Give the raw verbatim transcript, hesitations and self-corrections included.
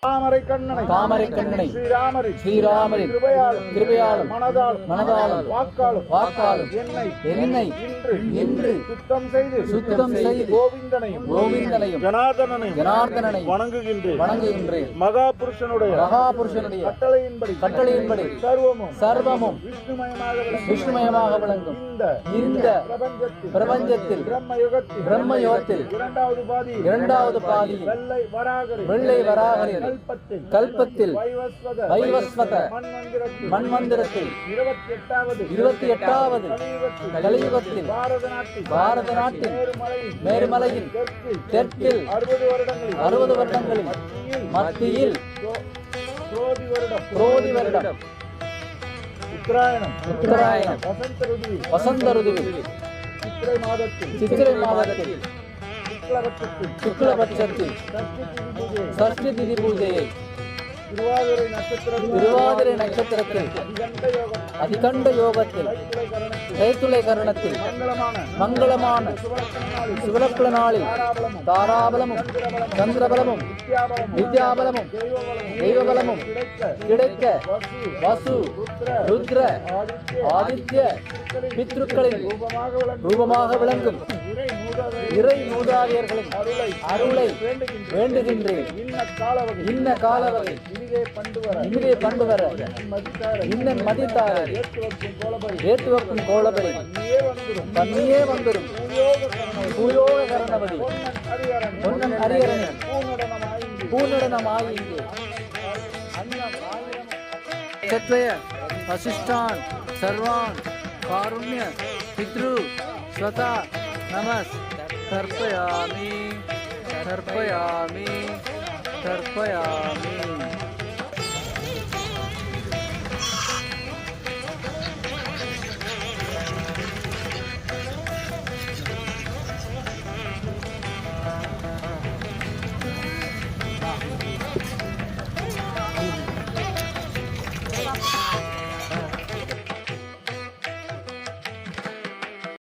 தாமரை கண்ணனை தாமரை கண்ணனை ஸ்ரீராமரின் ஸ்ரீராமரின் கிருபையாலும் கிருபையாலும் மனதாலும் மனதாலும் வாக்காலும் வாக்காலும் என்னை என்னை இன்று இன்று சுத்தம் செய்து சுத்தம் செய்து கோவிந்தனையும் கோவிந்தனையும் ஜனார்தனனையும் ஜனார்தனனை வணங்குகின்றேன் வணங்குகின்றேன். மகாபுருஷனுடைய மகாபுருஷனுடைய கட்டளையின்படி கட்டளையின்படி சர்வமும் சர்வமும் விஷ்ணுமயமாக விளங்கும் விஷ்ணுமயமாக விளங்கும் இந்த இந்த பிரபஞ்சத்தில் பிரபஞ்சத்தில் பிரம்மயுகத்தில் பிரம்மயுகத்தில் இரண்டாவது பாதி இரண்டாவது பாதியில் வெள்ளை வராகரின் வெள்ளை வராகரின் கல்பத்தில் கல்பத்தில் வைவஸ்வத வைவஸ்வத மன்மந்திரத்தில் மன்மந்திரத்தில் இருபத்தி எட்டாவது இருபத்தி எட்டாவது கலியுகத்தில் கலியுகத்தில் பாரத நாட்டில் பாரத நாட்டில் மேருமலையில் மேருமலையில் தெற்கில் தெற்கில் அறுபது வருடங்களில் அறுபது வருடங்களில் மத்தியில் மத்தியில் சோ- சோதி வருடம் குரோதி வருடம் உத்தராயணம் உத்தராயணம் வசந்த ருதுவில் வசந்த ருதுவில் சித்திரை மாதத்தில் சித்திரை மாதத்தில் சுக்லபட்சத்தில் சுக்லபட்சத்தில் சஷ்டி திதி பூஜை சஷ்டி திதி பூஜையை திருவாதிரை நட்சத்திரத்தில் திருவாதிரை நட்சத்திரத்தில் அதிகண்ட யோகம் அதிகண்ட யோகத்தில் கைத்துளை கரணத்தில் கைத்துளை கரணத்தில் மங்களமான மங்களமான சுவரக்கண நாளில் சிவலக்குல நாளில் தாராபலமும் தாராபலமும் சந்திரபலமும் வித்யாபலமும் வித்யாபலமும் தெய்வபலமும் தெய்வபலமும் கிடைக்க கிடைக்க வசு வசு ருத்ர ருத்ர ஆதித்ய ஆதித்ய பித்ருக்களின் ரூபமாக விளங்கும் ரூபமாக விளங்கும் இறை மூதாதை இறை மூதாதையர்களின் அருளை அருளை வேண்டுகின்றேன். வேண்டுகின்றேன். இன்ன காலவகை இன்ன காலவகை இனிதே பண்டு வர இனிதே பண்டு வர மதித்தார இன்னன் மதித்தாரை ஏற்று வைக்கும் கோலபை ஏற்றுவக்கும் கோலபடி நீயே வந்துடும் தன்னியே வந்துடும் பூயோக கரணை பூயோக கரணபதி பொன்னன் ஹரிஹரன் பொன்னன் ஹரிஹரனின் பூநடனமாயிங்கு பூநடனமாயிங்கு அன்னம் ஆயிரம் ಕ್ಷತ್ರಿಯ ವಸಿಷ್ಠಾನ್ ಸರ್ವಾನ್ ಕಾರುಣ್ಯ ಪಿತೃ ಸ್ವತಃ ನಮಸ್ ತರ್ಪಯಾಮಿ ತರ್ಪಯಾಮಿ ತರ್ಪಯಾಮಿ